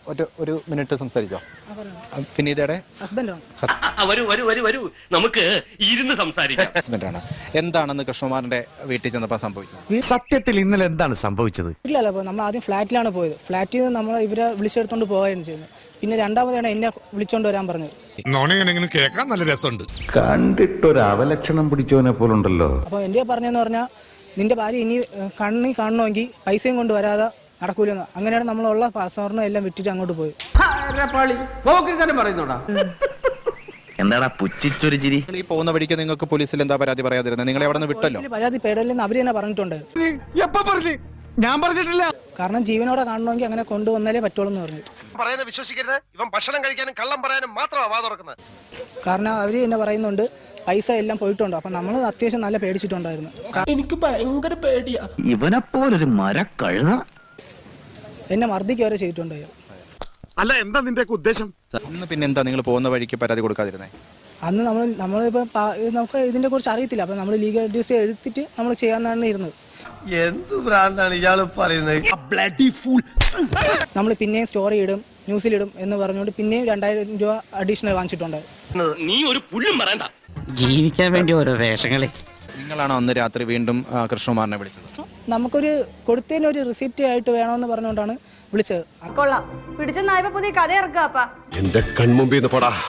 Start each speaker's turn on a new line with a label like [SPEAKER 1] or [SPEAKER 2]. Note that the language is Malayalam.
[SPEAKER 1] ഒരു മിനിറ്റ് സംസാരിക്കാം. വിനീതയുടെ
[SPEAKER 2] നമുക്ക് ഇരുന്ന് സംസാരിക്കാം.
[SPEAKER 1] ഹസ്ബൻഡാണ്. എന്താണെന്ന് കൃഷ്ണകുമാറിന്റെ വീട്ടിൽ ചെന്നപ്പോൾ സംഭവിച്ചത്?
[SPEAKER 3] സത്യത്തിൽ ഇന്നലെ എന്താണ് സംഭവിച്ചത്?
[SPEAKER 4] ഇല്ലല്ലോ, നമ്മൾ ആദ്യം ഫ്ലാറ്റിലാണ് പോയത്. ഫ്ലാറ്റിൽ നിന്ന് നമ്മൾ ഇവരെ വിളിച്ചെടുത്തോണ്ട് പോവുകയായിരുന്നു ചെയ്യുന്നത്. പിന്നെ രണ്ടാമതാണ് എന്നെ വിളിച്ചോണ്ട് വരാൻ പറഞ്ഞത്.
[SPEAKER 5] കേൾക്കാൻ നല്ല രസമുണ്ട്.
[SPEAKER 3] കണ്ടിട്ടൊരു അവലക്ഷണം പിടിച്ചവനെ പോലുണ്ടല്ലോ.
[SPEAKER 4] അപ്പോൾ എൻ്റെ പറഞ്ഞതെന്ന് പറഞ്ഞാൽ നിന്റെ ഭാര്യ ഇനി കണ്ണി കാണണമെങ്കിൽ പൈസയും കൊണ്ട് വരാതെ നടക്കൂലെന്ന്. അങ്ങനെയാണ് നമ്മളുള്ള പാസ്പോർട്ടിനും എല്ലാം വിട്ടിട്ട് അങ്ങോട്ട് പോയി.
[SPEAKER 6] എന്താടാ പുച്ഛിച്ചൊരു ചിരി?
[SPEAKER 1] ഈ പോകുന്ന വഴിക്ക് നിങ്ങൾക്ക് പോലീസിൽ എന്താ പരാതി പറയാതിരുന്നത്? നിങ്ങളെ അവിടെ നിന്ന് വിട്ടല്ലോ.
[SPEAKER 4] പരാതി പേടല്ലെന്ന് അവർ തന്നെ പറഞ്ഞിട്ടുണ്ട്.
[SPEAKER 3] ഞാൻ പറഞ്ഞിട്ടില്ല.
[SPEAKER 4] കാരണം ജീവനോടെ കാണണമെങ്കിൽ അങ്ങനെ കൊണ്ടുവന്നാലേ പറ്റുള്ളൂ എന്ന് പറഞ്ഞു.
[SPEAKER 5] പറയുന്നത് വിശ്വസിക്കരുത്. ഇവൻ ഭക്ഷണം കഴിക്കാനും കള്ളം പറയാനും മാത്രമാണ് വാ തുറക്കുന്നത്.
[SPEAKER 4] കാരണം അവർ തന്നെ പറയുന്നുണ്ട് പൈസ എല്ലാം പോയിട്ടുണ്ട്. അപ്പം നമ്മൾ അത്യാവശ്യം നല്ല പേടിച്ചിട്ടുണ്ടായിരുന്നു.
[SPEAKER 7] എനിക്ക് ഭയങ്കര പേടിയാ.
[SPEAKER 6] ഇവനെപ്പോലൊരു മരക്കഴുത
[SPEAKER 4] എന്നെ മർദ്ദിക്കുക വരെ ചെയ്തിട്ടുണ്ട്.
[SPEAKER 5] അല്ല, എന്താ നിന്റെ ഉദ്ദേശം?
[SPEAKER 1] അന്ന് പിന്നെ എന്താ നിങ്ങൾ പോകുന്ന വഴിക്ക് പരാതി കൊടുക്കാതിരുന്നേ?
[SPEAKER 4] അന്ന് നമ്മളിപ്പോൾ നമുക്ക് ഇതിനെ കുറിച്ച് അറിയത്തില്ല. അപ്പം നമ്മൾ ലീഗൽ അഡ്വൈസ് എടുത്തിട്ട് നമ്മൾ ചെയ്യാനാണ് ഇരുന്നത്.
[SPEAKER 7] എന്ത് ഭ്രാന്താണ് ഇയാള് പറയുന്നത്?
[SPEAKER 4] നമ്മൾ പിന്നെയും സ്റ്റോറി ഇടും, ന്യൂസിലിടും എന്ന് പറഞ്ഞുകൊണ്ട് പിന്നെയും 2000 രൂപ അഡീഷണൽ വാങ്ങിച്ചിട്ടുണ്ട്.
[SPEAKER 2] നീ ഒരു പുല്ലും പറയണ്ട.
[SPEAKER 6] ജീവിക്കാൻ വേണ്ടി ഓരോ വേഷങ്ങളെ.
[SPEAKER 1] നിങ്ങളാണോ അന്ന് രാത്രി വീണ്ടും കൃഷ്ണകുമാറിനെ വിളിച്ചത്?
[SPEAKER 4] നമുക്കൊരു കൊടുത്തതിന് ഒരു റിസിപ്റ്റ് ആയിട്ട് വേണമെന്ന് പറഞ്ഞുകൊണ്ടാണ് വിളിച്ചത്.
[SPEAKER 8] കൊള്ളാം, പിടിച്ച നായ്പ പുതിയ കഥ ഇറക്കാപ്പാ.
[SPEAKER 5] എന്റെ കൺമുമ്പിൽ നിന്ന് പോടാ.